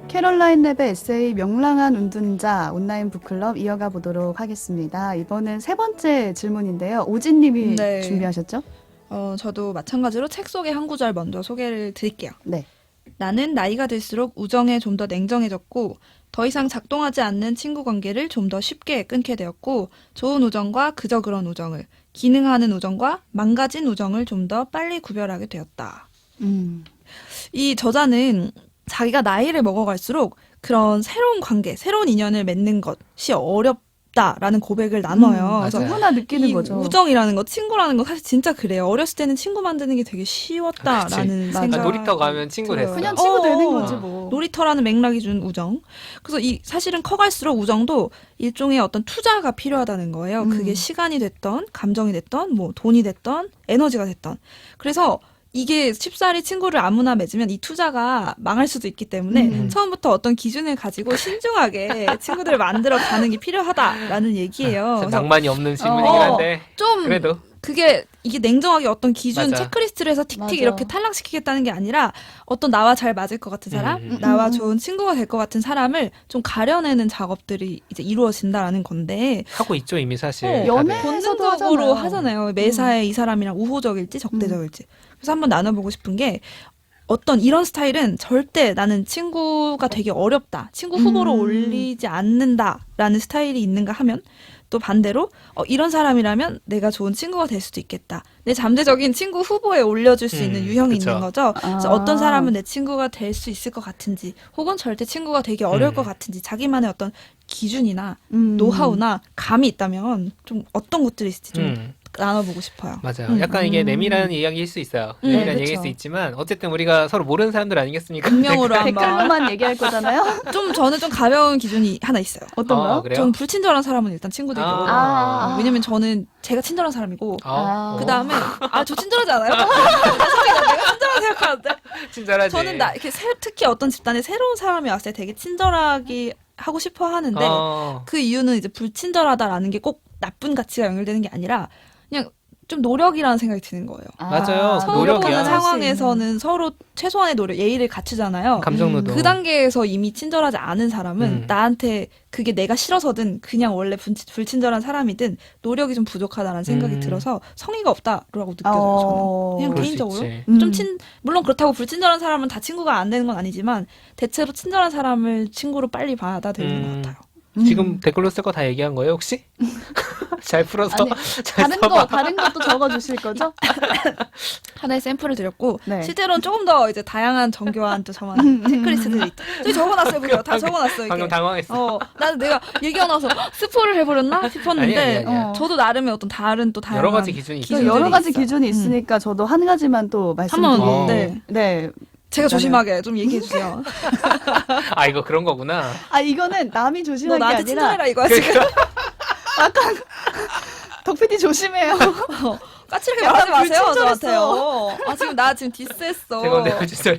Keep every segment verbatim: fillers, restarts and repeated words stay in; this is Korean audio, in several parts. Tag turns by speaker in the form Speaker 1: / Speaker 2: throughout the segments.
Speaker 1: 캐롤라인 랩의 에세이 명랑한 운둔자 온라인 북클럽 이어가 보도록 하겠습니다. 이번엔 세 번째 질문인데요. 오진님이
Speaker 2: 네.
Speaker 1: 준비하셨죠?
Speaker 2: 어, 저도 마찬가지로 책 속의 한 구절 먼저 소개를 드릴게요.
Speaker 1: 네.
Speaker 2: 나는 나이가 들수록 우정에 좀 더 냉정해졌고 더 이상 작동하지 않는 친구 관계를 좀 더 쉽게 끊게 되었고 좋은 우정과 그저 그런 우정을, 기능하는 우정과 망가진 우정을 좀 더 빨리 구별하게 되었다.
Speaker 1: 음.
Speaker 2: 이 저자는 자기가 나이를 먹어갈수록 그런 새로운 관계, 새로운 인연을 맺는 것이 어렵다라는 고백을 나눠요.
Speaker 1: 음,
Speaker 2: 그래서
Speaker 1: 누구나 느끼는
Speaker 2: 이
Speaker 1: 거죠.
Speaker 2: 우정이라는 거, 친구라는 거 사실 진짜 그래요. 어렸을 때는 친구 만드는 게 되게 쉬웠다라는
Speaker 1: 맞아.
Speaker 2: 생각.
Speaker 3: 아, 놀이터 가면 친구
Speaker 2: 들어요.
Speaker 3: 됐어.
Speaker 1: 그냥 친구
Speaker 2: 어,
Speaker 1: 되는
Speaker 2: 어.
Speaker 1: 거지 뭐.
Speaker 2: 놀이터라는 맥락이 준 우정. 그래서 이 사실은 커갈수록 우정도 일종의 어떤 투자가 필요하다는 거예요.
Speaker 1: 음.
Speaker 2: 그게 시간이 됐던, 감정이 됐던, 뭐 돈이 됐던, 에너지가 됐던. 그래서 이게 쉽사리 친구를 아무나 맺으면 이 투자가 망할 수도 있기 때문에
Speaker 1: 음.
Speaker 2: 처음부터 어떤 기준을 가지고 신중하게 친구들을 만들어 가는 게 필요하다라는 얘기예요. 그래서
Speaker 3: 낭만이 없는 질문이긴
Speaker 2: 어,
Speaker 3: 한데
Speaker 2: 좀
Speaker 3: 그래도
Speaker 2: 그게 이게 냉정하게 어떤 기준
Speaker 3: 맞아.
Speaker 2: 체크리스트를 해서 틱틱
Speaker 1: 맞아.
Speaker 2: 이렇게 탈락시키겠다는 게 아니라 어떤 나와 잘 맞을 것 같은 사람,
Speaker 3: 음.
Speaker 2: 나와
Speaker 1: 음.
Speaker 2: 좋은 친구가 될 것 같은 사람을 좀 가려내는 작업들이 이제 이루어진다라는 건데
Speaker 3: 하고 있죠 이미 사실.
Speaker 2: 어,
Speaker 3: 다들.
Speaker 1: 연애?
Speaker 2: 본능적으로
Speaker 1: 하잖아요.
Speaker 2: 하잖아요. 매사에 이 사람이랑 우호적일지 적대적일지. 그래서 한번 나눠보고 싶은 게 어떤 이런 스타일은 절대 나는 친구가 되게 어렵다. 친구 후보로
Speaker 1: 음.
Speaker 2: 올리지 않는다라는 스타일이 있는가 하면 또 반대로 어, 이런 사람이라면 내가 좋은 친구가 될 수도 있겠다. 내 잠재적인 친구 후보에 올려줄 수
Speaker 3: 음,
Speaker 2: 있는 유형이
Speaker 3: 그쵸.
Speaker 2: 있는 거죠. 그래서
Speaker 1: 아.
Speaker 2: 어떤 사람은 내 친구가 될 수 있을 것 같은지 혹은 절대 친구가 되기 어려울
Speaker 3: 음.
Speaker 2: 것 같은지 자기만의 어떤 기준이나
Speaker 1: 음.
Speaker 2: 노하우나 감이 있다면 좀 어떤 것들이 있을지 좀
Speaker 3: 음,
Speaker 2: 나눠보고 싶어요.
Speaker 3: 맞아요.
Speaker 2: 음.
Speaker 3: 약간 이게
Speaker 1: 음.
Speaker 3: 내밀한 이야기일 수 있어요.
Speaker 2: 음,
Speaker 3: 내밀한
Speaker 2: 그쵸.
Speaker 3: 얘기일 수 있지만 어쨌든 우리가 서로 모르는 사람들 아니겠습니까?
Speaker 2: 익명으로 한번
Speaker 1: 댓글로만 얘기할 거잖아요.
Speaker 2: 좀 저는 좀 가벼운 기준이 하나 있어요.
Speaker 1: 어떤
Speaker 3: 어,
Speaker 1: 거요?
Speaker 3: 그래요?
Speaker 2: 저는 불친절한 사람은 일단 친구 되기
Speaker 3: 아.
Speaker 2: 어려워요.
Speaker 1: 아.
Speaker 2: 왜냐면 저는 제가 친절한 사람이고
Speaker 3: 어,
Speaker 2: 그 다음에 아 저 친절하지 않아요? 죄송해요. 내가 친절하게 생각하는데
Speaker 3: 친절하지.
Speaker 2: 저는 나 이렇게 새, 특히 어떤 집단에 새로운 사람이 왔을 때 되게 친절하게 하고 싶어 하는데
Speaker 3: 어,
Speaker 2: 그 이유는 이제 불친절하다라는 게 꼭 나쁜 가치가 연결되는 게 아니라 그냥 좀 노력이라는 생각이 드는 거예요.
Speaker 3: 맞아요.
Speaker 2: 처음
Speaker 3: 노력이야.
Speaker 2: 보는
Speaker 3: 할수
Speaker 2: 상황에서는 서로 최소한의 노력, 예의를 갖추잖아요.
Speaker 3: 감정노동.
Speaker 2: 그 단계에서 이미 친절하지 않은 사람은
Speaker 3: 음.
Speaker 2: 나한테 그게 내가 싫어서든 그냥 원래 불, 불친절한 사람이든 노력이 좀 부족하다는 생각이
Speaker 3: 음.
Speaker 2: 들어서 성의가 없다라고 느껴져요.
Speaker 1: 어.
Speaker 2: 저는 그냥
Speaker 3: 그럴 수
Speaker 2: 개인적으로
Speaker 3: 있지.
Speaker 1: 음.
Speaker 2: 좀 친, 물론 그렇다고 불친절한 사람은 다 친구가 안 되는 건 아니지만 대체로 친절한 사람을 친구로 빨리 받아들이는
Speaker 3: 음.
Speaker 2: 것 같아요.
Speaker 1: 음.
Speaker 3: 지금 댓글로 쓸 거 다 얘기한 거예요 혹시? 잘 풀어서
Speaker 1: 아니,
Speaker 3: 잘
Speaker 1: 다른
Speaker 3: 써봐.
Speaker 1: 거 다른 것도 적어 주실 거죠?
Speaker 2: 하나의 샘플을 드렸고
Speaker 1: 네.
Speaker 2: 실제로는 조금 더 이제 다양한 정교한 또 저만 체크리스트들이 있다. 저기 적어놨어요, 보세요. 다 적어놨어요. 이게.
Speaker 3: 방금 당황했어.
Speaker 2: 어, 나는 내가 얘기가 나서 스포를 해버렸나 싶었는데
Speaker 3: 아니, 아니, 아니야.
Speaker 1: 어.
Speaker 2: 저도 나름의 어떤 다른 또 다양한
Speaker 3: 여러 가지 기준이 있어요.
Speaker 1: 또 여러 가지
Speaker 2: 있어요.
Speaker 1: 기준이 있으니까 저도 한 가지만 또
Speaker 2: 한번
Speaker 1: 말씀드리고
Speaker 2: 네.
Speaker 1: 네.
Speaker 2: 제가
Speaker 1: 일단은-
Speaker 2: 조심하게 좀 얘기해 주세요.
Speaker 3: 아 이거 그런 거구나.
Speaker 1: 아 이거는 남이
Speaker 2: 너
Speaker 1: 조심할 게
Speaker 2: 나한테
Speaker 1: 아니라
Speaker 2: 친절해라 이거야 지금.
Speaker 1: 덕피디 조심해요.
Speaker 2: 어, 까칠하게
Speaker 1: 약간
Speaker 2: 말하지 마세요
Speaker 1: 불친절했어.
Speaker 2: 저한테요. 아 지금 나 지금 디스했어.
Speaker 3: 제가 내가 진짜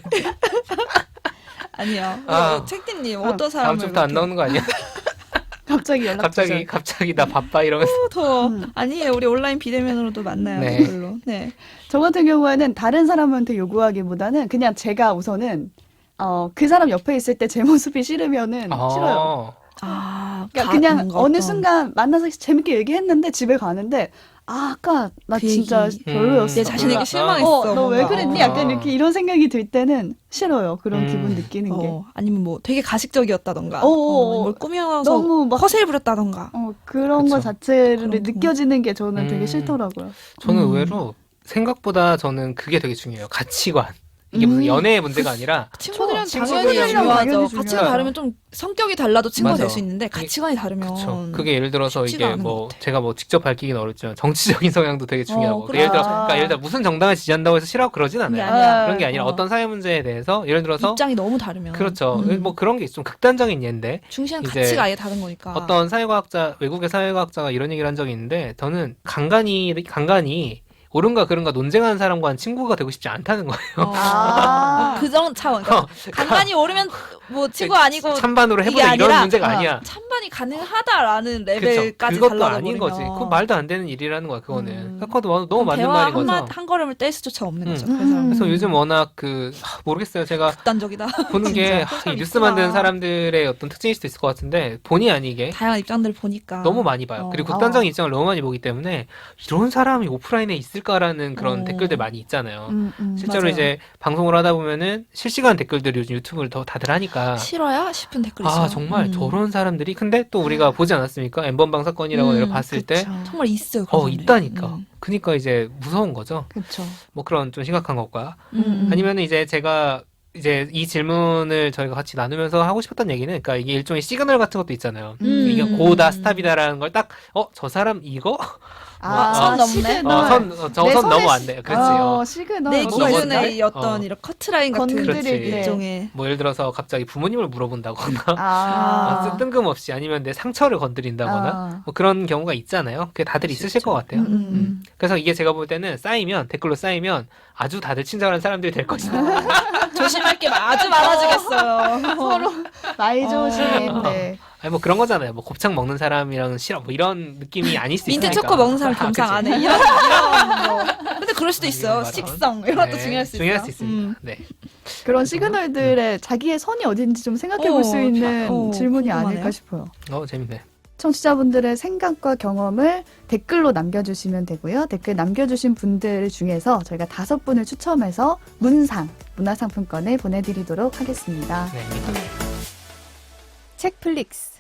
Speaker 2: 아니요.
Speaker 3: 아.
Speaker 2: 어, 책디님
Speaker 1: 어,
Speaker 2: 어떤 사람을
Speaker 3: 다음 주부터 안
Speaker 2: 그렇게-
Speaker 3: 나오는 거 아니야?
Speaker 1: 갑자기 연락
Speaker 3: 갑자기
Speaker 1: 주셔.
Speaker 3: 갑자기 나 바빠 이러면서.
Speaker 2: 어, 더워.
Speaker 1: 음.
Speaker 2: 아니에요. 우리 온라인 비대면으로도 만나요.
Speaker 3: 네.
Speaker 2: 댓글로. 네.
Speaker 1: 저 같은 경우에는 다른 사람한테 요구하기보다는 그냥 제가 우선은 어, 그 사람 옆에 있을 때 제 모습이 싫으면은
Speaker 3: 어.
Speaker 1: 싫어요.
Speaker 2: 아,
Speaker 1: 그러니까
Speaker 2: 가-
Speaker 1: 그냥
Speaker 2: 뭔가
Speaker 1: 어느
Speaker 2: 어떤-
Speaker 1: 순간 만나서 재밌게 얘기했는데 집에 가는데 아 아까 나
Speaker 2: 그
Speaker 1: 진짜
Speaker 2: 얘기.
Speaker 1: 별로였어.
Speaker 2: 내 자신에게
Speaker 3: 몰라.
Speaker 2: 실망했어.
Speaker 1: 어, 너 왜
Speaker 2: 뭔가.
Speaker 1: 그랬니?
Speaker 3: 어.
Speaker 1: 약간 이렇게 이런 생각이 들 때는 싫어요. 그런
Speaker 3: 음.
Speaker 1: 기분 느끼는 게.
Speaker 2: 어, 아니면 뭐 되게 가식적이었다던가,
Speaker 1: 어어어.
Speaker 2: 어, 뭘 꾸며서
Speaker 1: 너무 막
Speaker 2: 허세를 부렸다던가.
Speaker 1: 어, 그런 거
Speaker 3: 그쵸.
Speaker 1: 자체를
Speaker 2: 그런 거.
Speaker 1: 느껴지는 게 저는 되게
Speaker 3: 음.
Speaker 1: 싫더라고요.
Speaker 3: 저는
Speaker 2: 음.
Speaker 3: 의외로 생각보다 저는 그게 되게 중요해요. 가치관. 이게 무슨
Speaker 1: 음.
Speaker 3: 연애의 문제가 아니라
Speaker 2: 친구들이랑
Speaker 1: 친구들이랑
Speaker 2: 당연히
Speaker 1: 당연히
Speaker 2: 중요하죠.
Speaker 1: 중요해요.
Speaker 2: 가치가 다르면 좀 성격이 달라도 친구가
Speaker 3: 맞아.
Speaker 2: 될 수 있는데 가치관이 다르면
Speaker 3: 그쵸. 그게 예를 들어서
Speaker 2: 쉽지가
Speaker 3: 이게
Speaker 2: 않은
Speaker 3: 뭐
Speaker 2: 것 같아.
Speaker 3: 제가 뭐 직접 밝히기는 어렵지만 정치적인 성향도 되게 중요하고
Speaker 2: 어,
Speaker 3: 그 예를 들어
Speaker 1: 그렇죠.
Speaker 3: 그러니까 예를 들어 무슨 정당을 지지한다고 해서 싫어하고 그러진
Speaker 2: 그게
Speaker 3: 않아요.
Speaker 2: 아니라
Speaker 3: 그런 게 아니라
Speaker 2: 어.
Speaker 3: 어떤 사회 문제에 대해서 예를 들어서
Speaker 2: 입장이 너무 다르면
Speaker 3: 그렇죠.
Speaker 2: 음.
Speaker 3: 뭐 그런 게 좀 극단적인 예인데
Speaker 2: 중시한
Speaker 3: 이제
Speaker 2: 가치가 아예 다른 거니까.
Speaker 3: 어떤 사회과학자 외국의 사회과학자가 이런 얘기를 한 적이 있는데 저는 간간히 간간히 옳은가 그른가 논쟁하는 사람과는 친구가 되고 싶지 않다는 거예요.
Speaker 2: 어.
Speaker 1: 아.
Speaker 2: 그정 차원. 그러니까 간간히 오르면 뭐 친구 아니고
Speaker 3: 찬반으로
Speaker 2: 이게
Speaker 3: 해보자 이런
Speaker 2: 아니라,
Speaker 3: 문제가
Speaker 1: 어.
Speaker 3: 아니야.
Speaker 2: 찬반이 환전이 가능하다라는
Speaker 3: 그쵸.
Speaker 2: 레벨까지
Speaker 3: 그것도
Speaker 2: 달라져
Speaker 3: 아닌
Speaker 2: 버리면
Speaker 3: 거지. 그건 말도 안 되는 일이라는 거야. 그거는.
Speaker 2: 음.
Speaker 3: 그것도 너무 맞는
Speaker 2: 대화
Speaker 3: 말인
Speaker 2: 한, 마,
Speaker 3: 거죠.
Speaker 2: 한 걸음을 뗄 수조차 없는
Speaker 3: 음.
Speaker 2: 거죠.
Speaker 1: 음.
Speaker 2: 그래서
Speaker 3: 그래서 요즘 워낙 그 하, 모르겠어요. 제가
Speaker 2: 극단적이다.
Speaker 3: 보는 게
Speaker 2: 진짜.
Speaker 3: 하, 이 뉴스
Speaker 2: 있구나.
Speaker 3: 만드는 사람들의 어떤 특징일 수도 있을 것 같은데 본의 아니게
Speaker 2: 다양한 입장들을 보니까
Speaker 3: 너무 많이 봐요.
Speaker 2: 어.
Speaker 3: 그리고 극단적인 입장을 너무 많이 보기 때문에 이런 사람이 오프라인에 있을까라는 그런
Speaker 2: 어.
Speaker 3: 댓글들 많이 있잖아요.
Speaker 1: 음, 음.
Speaker 3: 실제로
Speaker 2: 맞아요.
Speaker 3: 이제 방송을 하다 보면은 실시간 댓글들이 요즘 유튜브를 더 다들 하니까
Speaker 2: 싫어야 싶은 댓글이 있어요.
Speaker 3: 아 정말
Speaker 2: 음.
Speaker 3: 저런 사람들이 근데 또 우리가 보지 않았습니까? 엠번방 사건이라고
Speaker 2: 음,
Speaker 3: 내가 봤을 때
Speaker 1: 그쵸.
Speaker 2: 정말 있어요. 그런
Speaker 3: 어,
Speaker 2: 사람들이.
Speaker 3: 있다니까.
Speaker 2: 음.
Speaker 3: 그니까 이제 무서운 거죠.
Speaker 1: 그쵸.
Speaker 3: 뭐 그런 좀 심각한 것과
Speaker 2: 음.
Speaker 3: 아니면 이제 제가 이제 이 질문을 저희가 같이 나누면서 하고 싶었던 얘기는 그러니까 이게 일종의 시그널 같은 것도 있잖아요.
Speaker 2: 음.
Speaker 3: 이게 고다 스탑이다라는 걸 딱 어 저 사람 이거
Speaker 1: 아,
Speaker 2: 선 넘네?
Speaker 1: 시그널.
Speaker 3: 어, 선, 어,
Speaker 1: 내
Speaker 3: 저선
Speaker 1: 손에
Speaker 3: 넘어 안
Speaker 1: 시-
Speaker 3: 돼요. 그렇지.
Speaker 1: 어,
Speaker 3: 어.
Speaker 1: 시그널.
Speaker 2: 내
Speaker 3: 뭐가
Speaker 2: 기준의
Speaker 3: 있나요?
Speaker 2: 이 어떤
Speaker 3: 어.
Speaker 2: 이런 커트라인 같은
Speaker 1: 건드릴
Speaker 3: 때.
Speaker 2: 일종의
Speaker 3: 뭐 예를 들어서 갑자기 부모님을 물어본다거나
Speaker 1: 아.
Speaker 3: 어, 뜬금없이 아니면 내 상처를 건드린다거나
Speaker 1: 아.
Speaker 3: 뭐 그런 경우가 있잖아요. 그게 다들 있으실 것 같아요.
Speaker 1: 음, 음, 음.
Speaker 3: 그래서 이게 제가 볼 때는 쌓이면 댓글로 쌓이면 아주 다들 친절한 사람들이 될 것이다.
Speaker 2: 조심할 게 아주 많아지겠어요.
Speaker 1: 서로 나이 조심.
Speaker 3: 어.
Speaker 1: 네.
Speaker 3: 아니 뭐 그런 거잖아요. 뭐 곱창 먹는 사람이랑 싫어 뭐 이런 느낌이 아닐 수
Speaker 2: 민트
Speaker 3: 있으니까.
Speaker 2: 초코 먹는 사람
Speaker 3: 아,
Speaker 2: 겸상
Speaker 3: 그치.
Speaker 2: 안 해. 이런 이런 뭐. 근데 그럴 수도
Speaker 3: 아,
Speaker 2: 있어요.
Speaker 3: 이런 발언.
Speaker 2: 식성 이런 것도
Speaker 3: 네,
Speaker 2: 중요할 수
Speaker 3: 중요할
Speaker 2: 있어요.
Speaker 3: 수 있습니다.
Speaker 2: 음.
Speaker 3: 네.
Speaker 1: 그런 시그널들의 자기의 선이 어딘지 좀 생각해 볼 수
Speaker 2: 어,
Speaker 1: 있는
Speaker 2: 어,
Speaker 1: 질문이
Speaker 2: 궁금하네요.
Speaker 1: 아닐까 싶어요.
Speaker 3: 어 재밌네.
Speaker 1: 청취자분들의 생각과 경험을 댓글로 남겨주시면 되고요. 댓글 남겨주신 분들 중에서 저희가 다섯 분을 추첨해서 문상, 문화상품권을 보내드리도록 하겠습니다.
Speaker 3: 네.
Speaker 1: 책플릭스.